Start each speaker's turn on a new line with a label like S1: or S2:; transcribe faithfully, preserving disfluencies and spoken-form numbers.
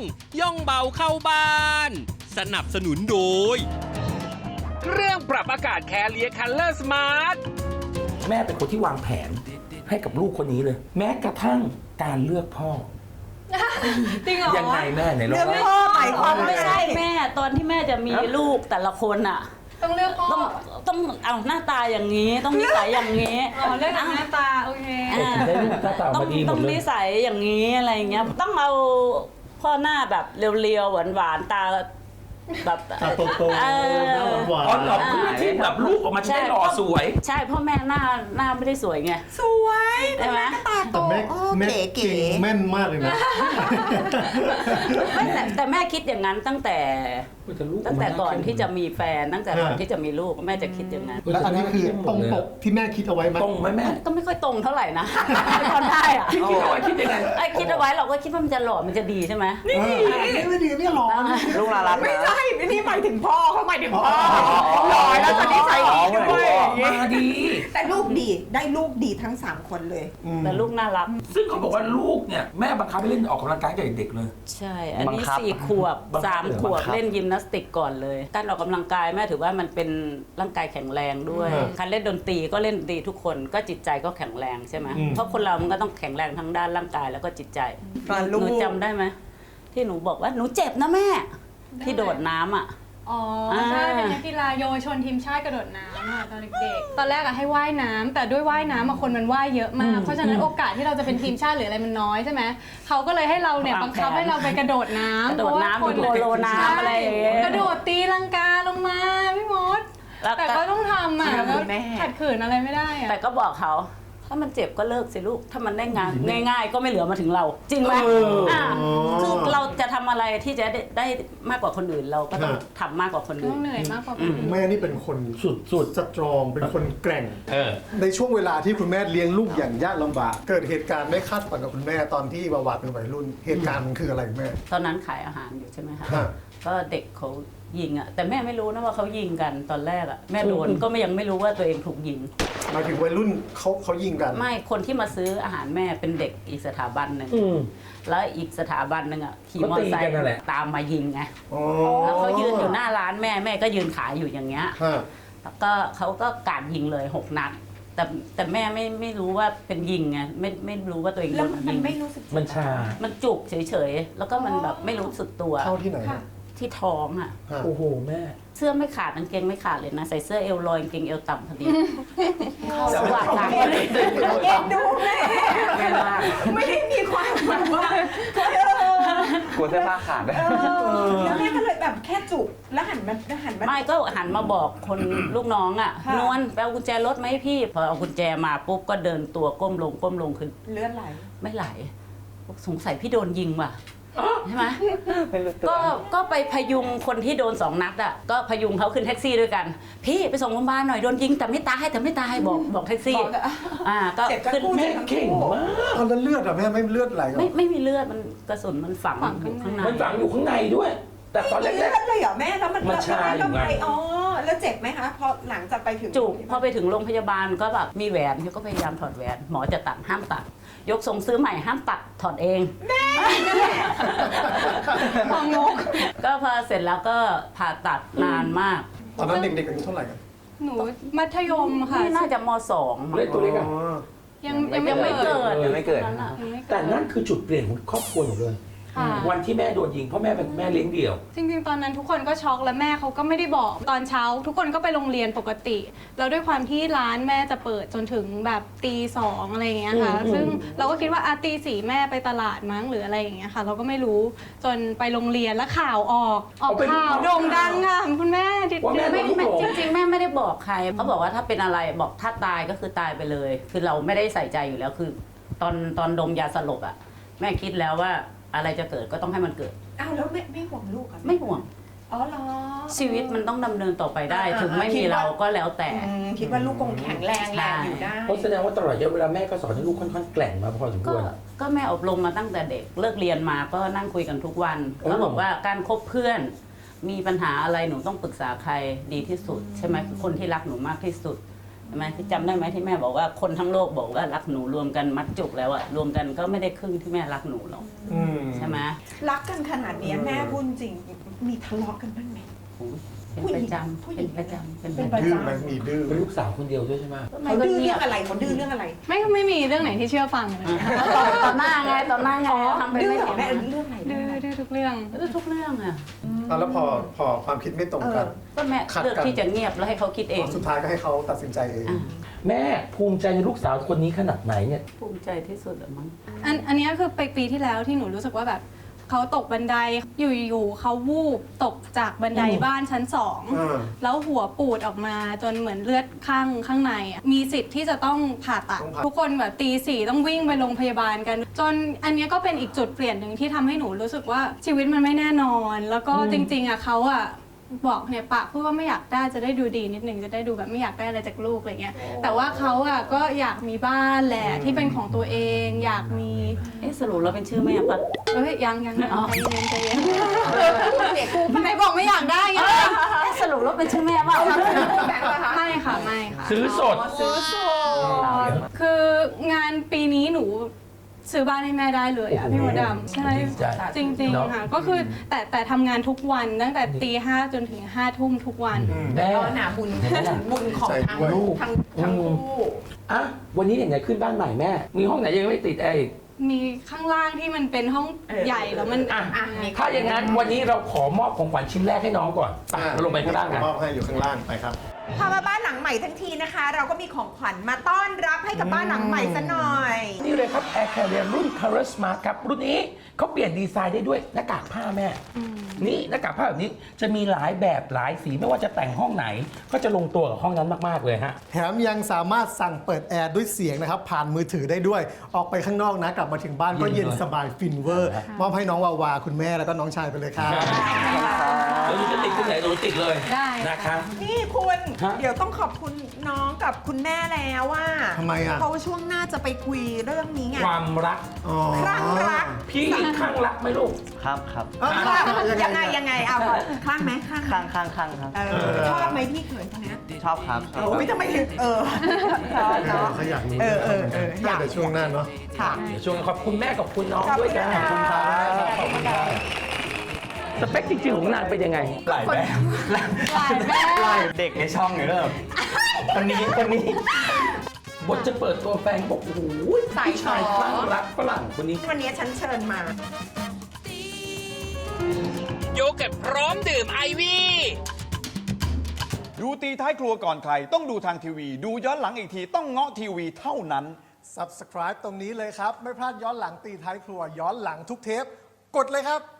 S1: ย่องเบาเข้าบ้าน สนับสนุนโดยเครื่องปรับอากาศแคเรียคัลเลอร์สมาร์ท
S2: แม่เป็นคนที่วางแผนให้กับลูกคนนี้เลย แม้กระทั่งการเลือกพ่อ
S3: จริงเหรอ
S2: ยังไงแม่ไหนลอง
S4: เลือกพ่อหมายความว่า
S5: ไม่ใช่แม่ตอนที่แม่จะมีลูกแต่ละคนอ่ะ
S3: ต้องเลือกพ่อ
S5: ต้องต้องเอาหน้าตาอย่างนี้ต้องนิสัยอย่างนี้
S3: อ๋อเลือกจากหน้าตาโอเค
S5: อ่า
S2: ได้ลูกหน้าตา
S5: ต้อง
S2: มาดีหม
S5: ต้อ
S2: ด
S5: ง
S2: เล
S5: นิ
S2: ย
S5: สัยอย่างนี้อะไรอย่างเงี้ยต้องเอาพ่อหน้าแบบเรียวๆหวานๆตาแบบ
S6: ตาโตๆ
S5: เออ
S6: หน้าหวาน
S2: อ๋อเหรอเพื่อที่แบบลูกออกมาจะได้หล่อสวย
S5: ใช่พ่อแม่หน้าหน้าไม่ได้สวยไง
S4: สวย
S5: ใช่ไหม
S4: ตาโต
S6: แต่แม่
S4: โอ้
S6: แม่
S4: เก๋
S6: เก่งแม่นมากเลยนะ
S5: ไม่แต่แต่แม่คิดอย่างนั้นตั้งแต่
S2: แต่ลูก
S5: ตั้งแต่ก่อนที่จะ
S2: มี
S5: มีแฟนตั้งแต่ก่อนที่จะมีลูกแม่จะคิดอย่างนั้น
S6: แล้วอันนี้คือตรงปกที่แม่คิดเอาไว้ไหม
S2: ตรงไหมแม่
S5: ก็ไม่ค่อยตรงเท่าไหร่นะไม่ค่อยได้อะ
S2: พี่คิดเอาไว้คิดยังไง
S5: ไอ้คิดเอาไว้เราก็คิดว่ามันจะหล่อมันจะดีใช่ไหม
S6: นี่นี่ไม่ดีเนี่ยหรอ
S7: ลูกน่ารัก
S4: ไม่
S7: นะ
S4: ใช่นี่หมายถึงพ่อเขาหมายถึงพ่อหล่อแล้วจะนิสัยดีด้วย
S2: มาดี
S4: แต่ลูกดีได้ลูกดีทั้งสามคนเลย
S5: แต่ลูกน่ารัก
S2: ซึ่งเขาบอกว่าลูกเนี่ยแม่บังคับให้เล่นออกกำลังกายตั้งแต่เด็กๆเลย
S5: ใช่ อัน
S7: บั
S5: นี้
S7: งคับ
S5: สี่ขวบ
S2: บังคับ
S5: สามขวบ
S7: บังคับ
S5: เล่นยิมนาสติกก่อนเลย การออกกำลังกายแม่ถือว่ามันเป็นร่างกายแข็งแรงด้วย
S6: อืม
S5: การเล่นดนตรีก็เล่นดนตรีทุกคนก็จิตใจก็แข็งแรงใช่ไหม
S6: อืม
S5: เพราะคนเรามันก็ต้องแข็งแรงทั้งด้านร่างกายแล้วก็จิตใจ
S4: อ่า
S5: ห
S4: ลูก
S5: นูจำได้ไหมที่หนูบอกว่าหนูเจ็บนะแม่ ที่โดดน้ำอ่ะ
S3: อ๋อใช่เป็นนักกีฬาเยาวชนทีมชาติกระโดดน้ำอะตอนเด็กๆตอนแรกอะให้ว่ายน้ำแต่ด้วยว่ายน้ำอะคนมันว่ายเยอะมาก เพราะฉะนั้นโอกาสที่เราจะเป็นทีมชาติหรืออะไรมันน้อยใช่ไหมเขาก็เลยให้เราเนี่ยว
S5: าง
S3: บังคับ
S5: แผน
S3: ให้เราไปกระโดดน้ำ
S5: กระโดดน้ำ
S3: เพราะว่าคน
S5: โดดโลน้ำอะไรอย่างเงี้ย
S3: กระโดดตีลังกาลงมาพี่มด
S5: แล้ว
S3: แต่ก็ต้องทำอ่ะ
S4: ใช่
S3: แล้ว
S4: แม่
S3: ขัดขืนอะไรไม่ได้อ่ะ
S5: แต่ก็บอกเขาถ้ามันเจ็บก็เลิกสิลูกถ้ามันได้งานง่าย ๆ ก็ไม่เหลือมาถึงเรา จริงไหม
S6: เอออ่
S5: าคือเราจะทำอะไรที่จะได้ได้มากกว่าคนอื่นเราก็ต้อง
S6: ฮะ
S5: ทำมากกว่าคน
S3: ต้
S5: อื่
S3: อน งเหนื่อยมากกว่าคนอื่น
S6: แม่นี่เป็นคน
S2: สุดสุด
S6: สตรองเป็นคนแกร่ง
S2: เออ
S6: ในช่วงเวลาที่คุณแม่เลี้ยงลูกอย่างยากลำบาก เกิดเหตุการณ์ไม่คาดฝันกับคุณแม่ตอนที่บาวาเป็นวัยรุ่น เหตุการณ์มันคืออะไรคุณแม่
S5: ตอนนั้นขายอาหารอยู่ใช่ไหมคะ
S6: ฮะ
S5: ก็เด็กเขายิงอ่ะแต่แม่ไม่รู้นะว่าเขายิงกันตอนแรกอ่ะแม่โดนก็ไม่ยังไม่รู้ว่าตัวเองถูกยิง
S6: หมายถึงวัยรุ่นเขาเขายิงกัน
S5: ไม่คนที่มาซื้ออาหารแม่เป็นเด็กอีกสถาบันหนึ่ง
S2: อืม
S5: แล้วอีกสถาบันหนึ่งอ่ะขี่มอเตอร์ไซ
S2: ก็ตีกัน
S5: ค์
S2: นั่นแหละ
S5: ตามมายิงไง
S6: อ๋อ
S5: แล้วเขายืนอยู่หน้าร้านแม่แม่ก็ยืนขายอยู่อย่างเงี้ย
S6: ฮะ
S5: แล้วก็เขาก็กราดยิงเลยหกนัด แต่แต่แม่ไม่ไม่รู้ว่าเป็นยิงไงไม่ไม่รู้ว่าตัวเองโด
S4: แล้ว
S5: น
S4: มัน
S5: ยิง
S4: ไม่รู้สึก
S2: มันชา
S5: มันจุกเฉยๆแล้วก็มันแบบไม่รู้สึกตัว
S6: เข้าที่ไหนฮะ
S5: ที่ท้องอ่ะ
S6: ฮะ
S2: โอ้โหแม่
S5: เสื้อไม่ขาดกางเกงไม่ขาดเลยนะใส่เสื้อเอวลอยกางเกงเอวต่ำพอดี
S2: จะ
S5: ส
S2: ไม่
S5: ว่าง
S2: เข้า
S5: หลัง
S2: ที่ไหน
S4: เอ็นดูแม่
S5: แม่มาก
S4: ไม่ได้มีความแบบว่า
S7: กลัวเสื้อผ้าขาดนะ
S4: เออแล้วแม่ก็เลยแบบแค่จุกแล้วหันมาหันมา
S5: ไม่ก็หันมาบอกคนลูกน้องอ่ะ
S4: ค่ะ
S5: นวลไปเอากุญแจรถไหมพี่พอเอากุญแจมาปุ๊บก็เดินตัวก้มลงก้มลงคือ
S4: เลือดไหล
S5: ไม่ไหลสงสัยพี่โดนยิงว่ะใช่ไหม
S7: ไม่รู้ตัว
S5: ก็ก็ไปพยุงคนที่โดนสองนัดอ่ะก็พยุงเขาขึ้นแท็กซี่ด้วยกัน พี่ไปส่งโรงพยาบาลหน่อยโดนยิงแต่ไม่ตายแต่ไม่ตายบอกบอกแท็กซี่
S4: บอกแต่
S5: อ่าก็
S4: เจ็บกัน
S5: ขึ้น
S4: คู่
S2: แม่เก่งมาก
S6: ตอนนั้นเลือดอะแม่ไม่เลือดไหลเหรอ
S5: ไม่ไม่มีเลือดมันกระสุนมันฝัง
S3: ฝัง
S5: อยู่
S3: ข้า
S5: ข้าง ง
S3: ใน
S5: ใน
S2: มันฝังอยู่ข้างในด้วย แต่ตอนแร
S4: เลือก ดเลยเหรอแม่แล้วมัน
S2: มันชาอยู่
S4: แล้ว
S2: ไง
S4: ไปอ๋อแล้วเจ็บไหมคะพอหลังจากไปถึง
S5: จุกพอไปถึงโรงพยาบาลก็แบบมีแหวนเขาก็พยายามถอดแหวน หมอจะตัดห้ามตัด ยกทรงซื้อใหม่ห้ามตัดถอดเอง
S3: ของงก
S5: ก็พอเสร็จแล้วก็ผ่าตัดนานมาก
S6: ตอนนั้นเด็กๆอายุเท่าไหร่กัน
S3: หนูมัธยมค่ะ
S5: นี่น่าจะมสองมั้ง
S2: เล่นตัวเล็กอะ
S6: อ๋อ
S3: ยัง
S7: ยั
S3: ยัง
S7: ง
S3: ไม่
S7: ไม่
S3: เกิด
S5: เกิด
S7: ยังไม่เกิด
S5: นั่นน่ะ
S3: ยังไม่เกิด
S2: แต่นั่นคือจุดเปลี่ยนของครอบครัวหนูเลย
S3: ค่ะ
S2: วันที่แม่โดนยิงเพราะแม่เป็นแม่เลี้ยงเดี่ยว
S3: จริงๆ ตอนนั้นทุกคนก็ช็อกและแม่เขาก็ไม่ได้บอกตอนเช้า ทุกคนก็ไปโรงเรียนปกติ แล้วด้วยความที่ร้านแม่จะเปิดจนถึงแบบตีสองอะไรอย่างเงี้ยค่ะ
S2: อืม
S3: ซึ่งเราก็คิดว่าอาตีสี่แม่ไปตลาดมั้งหรืออะไรอย่างเงี้ยค่ะ เราก็ไม่รู้จนไปโรงเรียนแล้วข่าวออก ออกข่าวโด่งดังค่ะคุณแม่ดิ
S2: ว่าแม่
S5: ไม่
S2: โดนลูก
S5: ไม่
S2: หลง
S5: จริงๆ แม่ไม่ได้บอกใครเขาบอกว่าถ้าเป็นอะไรบอกถ้าตายก็คือตายไปเลย คือเราไม่ได้ใส่ใจอยู่แล้วคือ ตอนตอนดมยาสลบอ่ะแม่คิดแล้วว่าอะไรจะเกิดก็ต้องให้มันเกิด
S4: อ้าวแล้วไม่ไม่ห่วงลูกอะ
S5: ไม่ห่วง
S4: อ๋อเหรอ
S5: ชีวิตมันต้องดำเนินต่อไปได้
S4: อ่า
S5: ถึงไม่
S4: คิ
S5: มี
S4: ดว่า
S5: เราก็แล้วแต่
S4: อืมคิดว่าลูกคงแข็งแรงแหละอยู่ได้
S2: เพราะแสดงว่าตลอดระยะเวลาแม่ก็สอนให้ลูกค่อนข้างแกร่งมาพอสมค
S5: ก็
S2: วร
S5: ก็แม่อบรมมาตั้งแต่เด็กเลิกเรียนมาก็นั่งคุยกันทุกวัน
S2: โอ้
S5: แล้วบอกว่าการคบเพื่อน มีปัญหาอะไรหนูต้องปรึกษาใครดีที่สุด ใช่ไหมคนที่รักหนูมากที่สุดใช่ไหมที่จำได้ไหมที่แม่บอกว่าคนทั้งโลกบอกว่ารักหนูรวมกันมัดจุกแล้วอะรวมกันก็ไม่ได้ครึ่งที่แม่รักหนูหรอก
S6: อืม
S5: ใช่ไหม
S4: รักกันขนาดเนี้ยแม่พูดจริงมีทะเลาะกันบ้างไหม
S5: โอ้ยเป็นประจำ
S4: ผู้หญิ
S5: เป็น
S4: ง
S5: ประจำเป็น
S4: เป็น
S5: ป
S4: ประ ระ
S6: ดื้อ
S4: จำ
S6: ไหมมีดื้อ
S2: เป็นลูกสาวคนเดียวด้วยใช่ไหม
S4: เขาดื้อเรื่องอะไรเขาดื้อเรื่องอะไร
S3: ไม่ไม่มีเรื่องไหนที่เชื่อฟังเลย
S5: ต่อหน้าไงต่อหน้าไงทำเป็น
S4: ดื้อ
S5: ไม่
S4: เหรอ
S5: เห็น
S4: แม่เรื่องไหน
S3: ดื้อดื้อทุกเรื่อง
S5: ดื้อทุกเรื่องอะ
S6: อ่ะแล้วพอพอความคิดไม่ตรงกัน
S5: ก็แม่
S6: ขัดกัน
S5: เลือกที่จะเงียบแล้วให้เขาคิดเอง
S6: สุดท้ายก็ให้เขาตัดสินใจเอง
S5: อ่ะ
S2: แม่ภูมิใจในลูกสาวคนนี้ขนาดไหนเนี่ย
S5: ภูมิใจที่สุดอะมั้ง
S3: อันอันเนี้ยคือไปปีที่แล้วที่หนูรู้สึกว่าแบบเขาตกบันไดอยู่ๆเขาวูบตกจากบันได
S2: อืม
S3: บ้านชั้นสอง
S6: อ่า
S3: แล้วหัวปูดออกมาจนเหมือนเลือดข้างข้างในอะมีสิทธิ์ที่จะต้องผ่าตัด
S6: ต้องผ่า
S3: ทุกคนแบบตีสี่ต้องวิ่งไปโรงพยาบาลกัน จนอันเนี้ยก็เป็นอีกจุดเปลี่ยนหนึ่งที่ทำให้หนูรู้สึกว่าชีวิตมันไม่แน่นอน แล้วก็จริงๆอ่ะเขาอ่ะบอกเนี่ยปากพูดว่าไม่อยากได้จะได้ดูดีนิดนึงจะได้ดูแบบไม่อยากได้อะไรจากลูกอะไรเงี้ยแต่ว่าเขาอ่ะก็อยากมีบ้านแหละที่เป็นของตัวเอง อยากมี
S5: เอ๊ะสรุปเราเป็นชื่อแม่ปะ
S3: เอ้ยยังยังยัง
S5: อ๋อ
S3: ใจเย็นใจเย็นไหนบอกไม่อยากได้ไง
S5: เอ๊ะสรุปเราเป็นชื่อแม่ปะ
S3: ไม่ค่ะไม่ค่ะ
S2: ซื้อสด
S4: ซื้อสด
S3: คืองานปีนี้หนูซื้อบ้านให้แม่ได้เลยอ่ะ
S2: โอ้โห
S3: พี่มดดำใช่
S2: ดีใจ
S3: จริง
S2: เนอะ
S3: ๆค่ะก็คือแต่แต่ทำงานทุกวันตั้งแต่ตีห้าจนถึงห้าทุ่มทุกวัน
S2: แม่
S4: ก็หนาบุญบุญของทั้ง
S2: ลูก
S4: ทั้งทั้งคู่
S2: อ่ะวันนี้อย่างไรขึ้นบ้านใหม่แม่ มีห้องไหนยังไม่ติดแอร์อีก
S3: มีข้างล่างที่มันเป็นห้อง
S4: เออ
S3: ใหญ่แล้วมัน
S2: อ่ะ
S3: อ่ะ
S2: ถ้าอย่างนั้นวันนี้เราขอมอบของขวัญชิ้นแรกให้น้องก่อนไปเราลงไปข้างล่างกัน
S6: มอบให้อยู่ข้างล่างไปครับ
S4: พามาบ้านหลังใหม่ทั้งทีนะคะ เราก็มีของขวัญมาต้อนรับให้กับบ้านหลังใหม่ซะหน่อย
S2: นี่เลยครับ Air Carrier รุ่น Color Smart ครับ รุ่นนี้เขาเปลี่ยนดีไซน์ได้ด้วยหน้ากากผ้าแม่ นี่หน้ากากผ้าแบบนี้จะมีหลายแบบหลายสีไม่ว่าจะแต่งห้องไหน ก็จะลงตัวกับห้องนั้นมากๆเลยฮะ
S6: แถมยังสามารถสั่งเปิดแอร์ด้วยเสียงนะครับ ผ่านมือถือได้ด้วย ออกไปข้างนอกนะ กลับมาถึงบ้านก็
S2: เย็
S6: เย็
S2: น
S6: น
S2: เลย
S6: สบายฟินเวอร์ มอบให้น้องวาวาคุณแม่แล้วก็น้องชายไปเลยครับ
S2: เราจะติดตรงไหนเราติดเลย
S3: ได้
S2: นะครับ
S4: นี่คุณ
S2: ฮะ
S4: เดี๋ยวต้องขอบคุณน้องกับคุณแม่แล้วว่า
S6: ทำไมอ่ะ
S4: เพราะว่าช่วงหน้าจะไปคุยเรื่องนี้ไง
S2: ความรัก
S6: อ๋อ
S4: คลั่งรัก
S2: พี่ข้างรักไหมลูก
S7: ครับครับ
S6: เอ้า
S4: คลั่ง
S6: ยั
S4: ยัง
S6: ง
S4: ไง
S6: ไง
S4: ยังไงเอาคลั่งไหมคลั่งไหม
S7: ข้างข้างข้างครับ
S4: เออชอบไหมพี่เขยคนเนี้ย
S7: ชอบครับชอบ
S4: โอ้ยทำไมถึงเออชอบเนาะ
S6: เขาอยากรู้
S4: เออเออเอออยาก
S6: เดี๋ยวช่วงหน้าเนาะ
S4: ค่ะ
S2: เดี๋ยวช่วงขอบคุณแม่กับคุณน้อง
S4: ขอบ
S2: ด้วย
S4: คุณ
S2: กัน
S4: ค่ะ
S2: ขอบคุณครับสเปคจริงๆของนางเป็นยังไง
S7: หลายแบบ
S3: หลายแม่
S7: หลายเด็กในช่องเนี่ยเริ่มคนนี้คนนี้
S2: บทจะเปิดตัวแฟนบอกโอ้โห
S4: สาย
S2: ผู้ชาย
S4: ฝอ
S2: คลั่งรักฝรั่งคนนี้
S4: วันนี้ฉันเชิญมา
S1: โยเกิร์ตพร้อมดื่มไอวี่
S8: ดูตีท้ายครัวก่อนใคร ต้องดูทางทีวี ดูย้อนหลังอีกทีต้องเงาะทีวีเท่านั้น
S6: Subscribe ตรงนี้เลยครับ ไม่พลาดย้อนหลังตีท้ายครัวย้อนหลังทุกเทป กดเลยครับ